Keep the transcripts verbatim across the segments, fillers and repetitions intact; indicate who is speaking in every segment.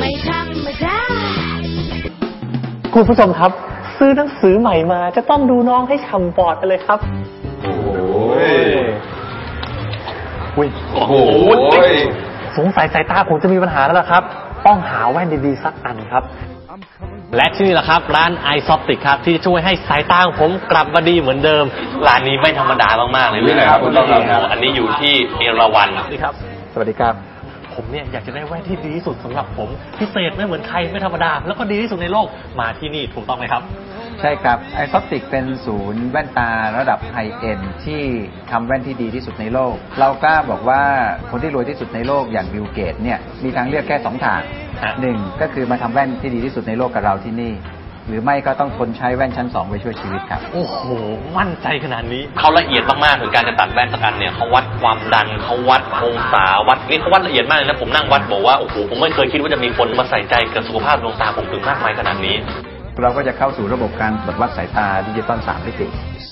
Speaker 1: ไม่ธรรมดา
Speaker 2: คุณผู้ชมครับซื้อหนังสือใหม่มาจะต้องดูน้องให้ฉ่ำปอดไปเลยครับโอ้ยโอ้โหสงสัยสายตาผมจะมีปัญหาแล้วล่ะครับต้องหาแว่นดีๆสักอันครับและที่นี่แหละครับร้าน iSoptic ครับที่จะช่วยให้สายตาของผมกลับมาดีเหมือนเดิมร้านนี้ไม่ธรรมดามากๆเลยนะครับคุณต้องครับอันนี้อยู่ที่เอราวัณนี่ครับสวัสดีครับผมเนี่ยอยากจะได้แว่นที่ดีที่สุดสำหรับผมพิเศษไม่เหมือนใครไม่ธรรมดาแล้วก็ดีที่สุดในโลกมาที่นี่ถูกต้องไหมครับ
Speaker 3: ใช่ครับ iSoptic เป็นศูนย์แว่นตาระดับไฮเอ็นด์ที่ทำแว่นที่ดีที่สุดในโลกเรากล้าบอกว่าคนที่รวยที่สุดในโลกอย่างบิลเกตเนี่ยมีทางเลือกแค่สองทางหนึ่งก็คือมาทำแว่นที่ดีที่สุดในโลกกับเราที่นี่หรือไม่ก็ต้องทนใช้แว่นชั้นสองไปช่วยชีวิตครับ
Speaker 2: โอ้โหมั่นใจขนาดนี้เขาละเอียดมากๆถึงการจะตัดแว่นสักอันเนี่ยเขาวัดความดันเขาวัดองศาวัดนี่เขาวัดละเอียดมากเลยนะผมนั่งวัดบอกว่าโอ้โหผมไม่เคยคิดว่าจะมีคนมาใส่ใจกับสุขภาพดวงตาผมถึงมากมายขนาดนี้
Speaker 3: เราก็จะเข้าสู่ระบบการตรวจวัดสายตาดิจิตอลสามมิติ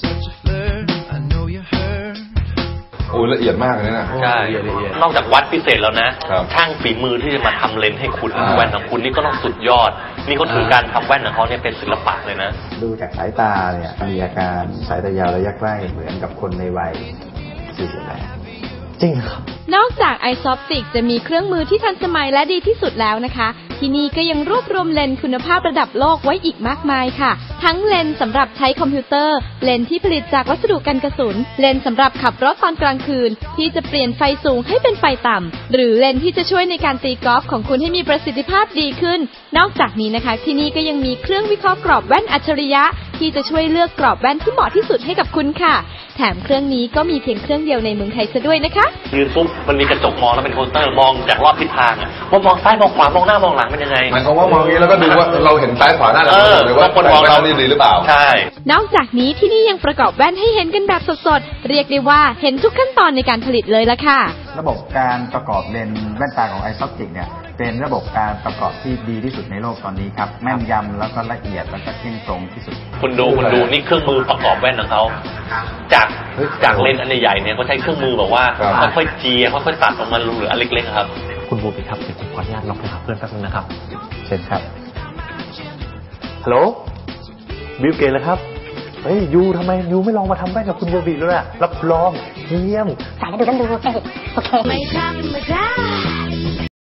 Speaker 4: โอ้ละเอียดมากเลยนะ
Speaker 2: ใช่นอกจากวัดพิเศษแล้วนะช่างฝีมือที่จะมาทำเลนส์ให้คุณแว่นของคุณนี่ก็ต้องสุดยอดนี่เขาถือการทำแว่นของเขาเนี่ยเป็นศิลปะเลยนะ
Speaker 3: ดูจากสายตาเนี่ยมีอาการสายตายาวระยะใกล้เหมือนกับคนในวัยสี่สิบแปด
Speaker 2: จริงครับ
Speaker 1: นอกจาก iSoptic จะมีเครื่องมือที่ทันสมัยและดีที่สุดแล้วนะคะที่นี่ก็ยังรวบรวมเลนส์คุณภาพระดับโลกไว้อีกมากมายค่ะทั้งเลนส์สำหรับใช้คอมพิวเตอร์เลนส์ที่ผลิตจากวัสดุกันกระสุนเลนส์สำหรับขับรถตอนกลางคืนที่จะเปลี่ยนไฟสูงให้เป็นไฟต่ำหรือเลนส์ที่จะช่วยในการตีกอล์ฟของคุณให้มีประสิทธิภาพดีขึ้นนอกจากนี้นะคะที่นี่ก็ยังมีเครื่องวิเคราะห์กรอบแว่นอัจฉริยะที่จะช่วยเลือกกรอบแว่นที่เหมาะที่สุดให้กับคุณค่ะแถมเครื่องนี้ก็มีเพียงเครื่องเดียวในเมืองไทยซะด้วยนะคะ
Speaker 2: ยืนปุ๊บมันมีกระจกมองแล้วเป็นโคสเตอร์มองจากรอบทิศทางอ่ะว่ามองซ้ายมองขวามองหน้ามองหลังเป็นยังไง
Speaker 4: หมายความว่ามองนี้แล้วก็ดูว่าเราเห็นซ้ายขวาหน้าหลังเลยว่าคนมองเราดีหรือเปล่า
Speaker 2: ใช่
Speaker 1: นอกจากนี้ที่นี่ยังประกอบแว่นให้เห็นกันแบบสดๆเรียกได้ว่าเห็นทุกขั้นตอนในการผลิตเลยละค่ะ
Speaker 3: ระบบการประกอบเลนส์แว่นตาของ iSoptic เนี่ยเป็นระบบการประกอบที่ดีที่สุดในโลกตอนนี้ครับแม่นยำแล้วก็ละเอียดแล้วก็เที่ยงตรงที่สุด
Speaker 2: คุณดูคุณดูนี่เครื่องมือประกอบแว่นของเขาจากจากเลนส์อันใหญ่เนี่ยเขาใช้เครื่องมือแบบว่าค่อยๆเจียค่อยๆตัดออกมาเหลืออันเล็กๆครับคุณบูบีครับเดี๋ยวผมขออนุญาตลองไปหาเพื่อนแป๊บนึงนะครับ
Speaker 3: เชิญครับ
Speaker 2: ฮัลโหลบิลเกตเลยครับเฮ้ยยูทำไมยูไม่ลองมาทำแว่นกับคุณบูบีด้วยล่ะรับรองเยี่ยม
Speaker 1: ใส่แล้วดูต้องดูโอเคไม่ธรรมดา